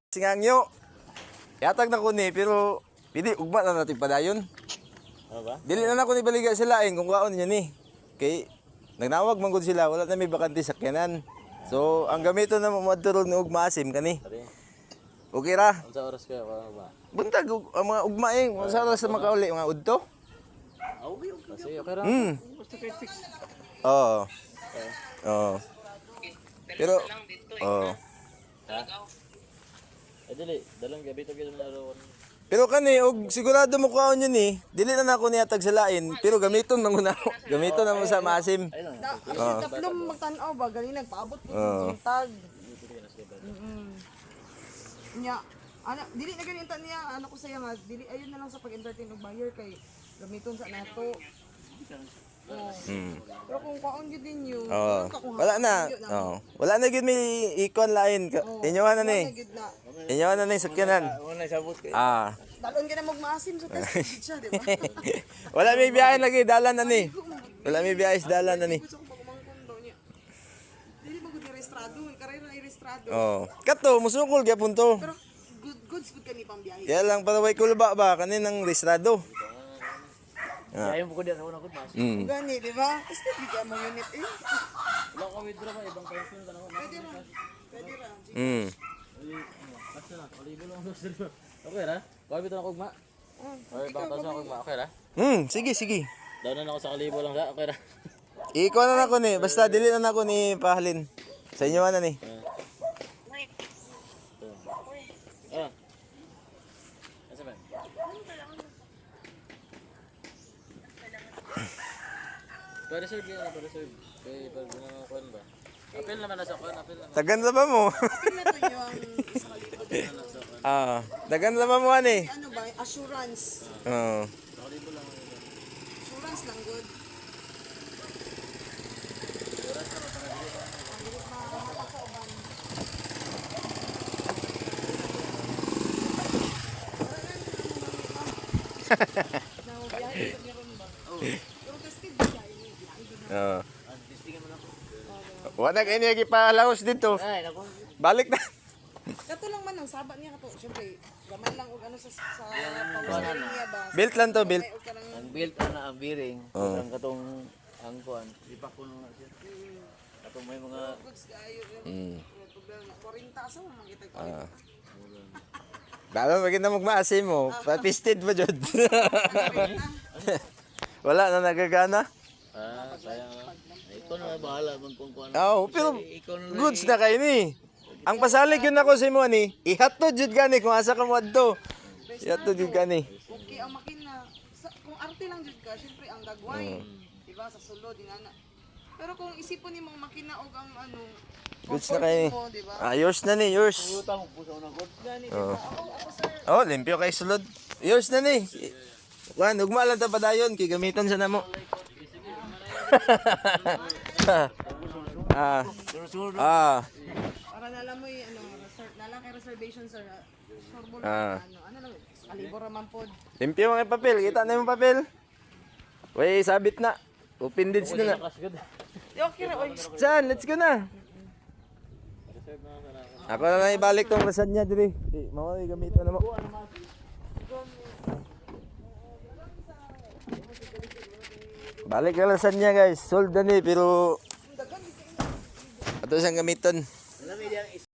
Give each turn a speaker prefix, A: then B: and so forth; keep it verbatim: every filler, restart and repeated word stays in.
A: Singangyo. Yatag na ko ni pero pili ugma na natin padayon.
B: Ano ba?
A: Dili na nako ni baliga sila eh kung kaon niya ni. Kay nagnawag man gud sila wala na may bakante sakyanan. So ang gamito na mamadturog ni ugma asim kani.
B: Tari.
A: Okay ra.
B: Unsa oras kayo ano ba?
A: Buntag ug- ang mga ugma eh sa oras sa makauli mga udto.
B: Okay, okay. Kasi okay ra.
A: Hmm.
B: Basta kay fix.
A: Oo. Oo. Pero oo.
B: Ha? Eh dili, dalang gabi to gyud na ron.
A: Pero kani og sigurado mo kaon yun eh. Dili na nako niya tag sa lain pero gamiton man guna. Gamiton na mo sa maasim.
B: Ayun lang.
C: Da, kasi tatlong magtanaw ba, galing nagpaabot po
A: Oo.
C: yung tag. Mm. Nya, ana, dili na ganito niya, ano ko saya nga, dili ayun na lang sa pag-entertain og buyer kay gamiton sa nato. Oh.
A: Hmm.
C: Pero kung kaon gyud din yun,
A: Oo.
C: ka kung
A: Wala na. Oo. Wala na gid may ikon lain. Inyohan na ni.
C: gyud na.
A: Inyohan na ni sakyanan.
B: Wala sabot kay.
A: Ah.
C: Dalon ka na magmaasim sa test gid siya, di ba?
A: Wala may biyahe lagi dalan na ni. Wala may biyahe sa dalan na ni.
C: Gusto ko pagmangkon daw niya. Dili mo gud registrado, karera na registrado.
A: Oh. Kato musukol gyapon to.
C: Pero good goods gud kani pang biyahe.
A: Kaya lang para way kulba ba kaninang restrado.
B: Ayaw mo ko diyan una ko mas.
A: Mm.
C: Gani, di ba? Kasi bigyan mo unit eh.
B: Wala ka withdraw ba ibang person ka naman.
C: Pwede ra. Pwede ra.
A: Mm.
B: Basta na, olibo lang gusto nyo. Okay ra? Kuha bitaw ako ugma.
C: Oh,
B: Or ibang person ako ugma. Okay ra?
A: Mm, sige sige.
B: Daw na ako sa kalibo lang sa. Okay ra?
A: Iko na nako ni. Basta dili na nako ni pahalin. Sa inyo na ni.
B: Ah. Asa ba? Para sir, para sir. Kay pag mga kuan ba? Apel naman na sa kuan, apel naman.
A: Tagan sa ba mo?
C: Pinato nyo ang isa kalibot.
A: Ah, dagan sa ba mo ani?
C: Ano ba? Assurance.
A: Oo.
C: Assurance lang good.
A: Oo. Wala kayo niya gipalaos dito.
B: Ay, nako.
A: Balik na.
C: Kato lang man ang saba niya kato. Siyempre, gamay lang og ano sa sa pawasarin niya ba.
A: Built lang to, built.
C: May og kanang
B: Ang built ana ang bearing,
A: Oo.
B: ang katong ang kuan, ipak ko na siya. Katong may mga
C: goods kaayo yun.
A: Mm.
C: Problema. forty asa mo makita ko.
A: Ah. Dalo maganda magmaasim mo. Papisted ba jud? Wala na nagagana.
B: ah, sayang. ah. Ikaw na bahala man kung kuan.
A: Oo, pero
B: Ikaw na
A: goods na kayo ni. Ang pasalig yun ako sa mo ni. Ihatod jud gani kung asa ka mo adto. Ihatod jud gani.
C: Okay ang makina. Sa, kung arte lang jud ka, syempre ang gagway. Di ba sa sulod dinana. Pero kung isipon ni mong makina og ang ano,
A: Goods na
C: comfort
A: kayo ni.
C: mo, di ba?
A: Ah, yours na ni, yours.
B: utang mo sa unang good.
C: Gani, di ba? Ako, ako sir,
A: Oh, limpyo kay sulod. Yours na ni. Wan, ugma lang ta padayon kay gamiton sa namo. ah. Ah.
C: para nalam mo yung ano, reserve, nalang kay reservation sir. ah, Sure mo
A: Ah.
C: lang, ano, ano lang, kalibor raman pod.
A: Limpyo mga papel. Kita na yung papel. Way, sabit na. Open deeds na na.
B: Kas good.
C: Di okay ra, oy.
A: Saan? Let's go na. Ako na lang ibalik tong resan niya diri. Eh, mawala gamiton na mo. Balik na resan niya guys. Sold na ni pero ato siyang gamiton.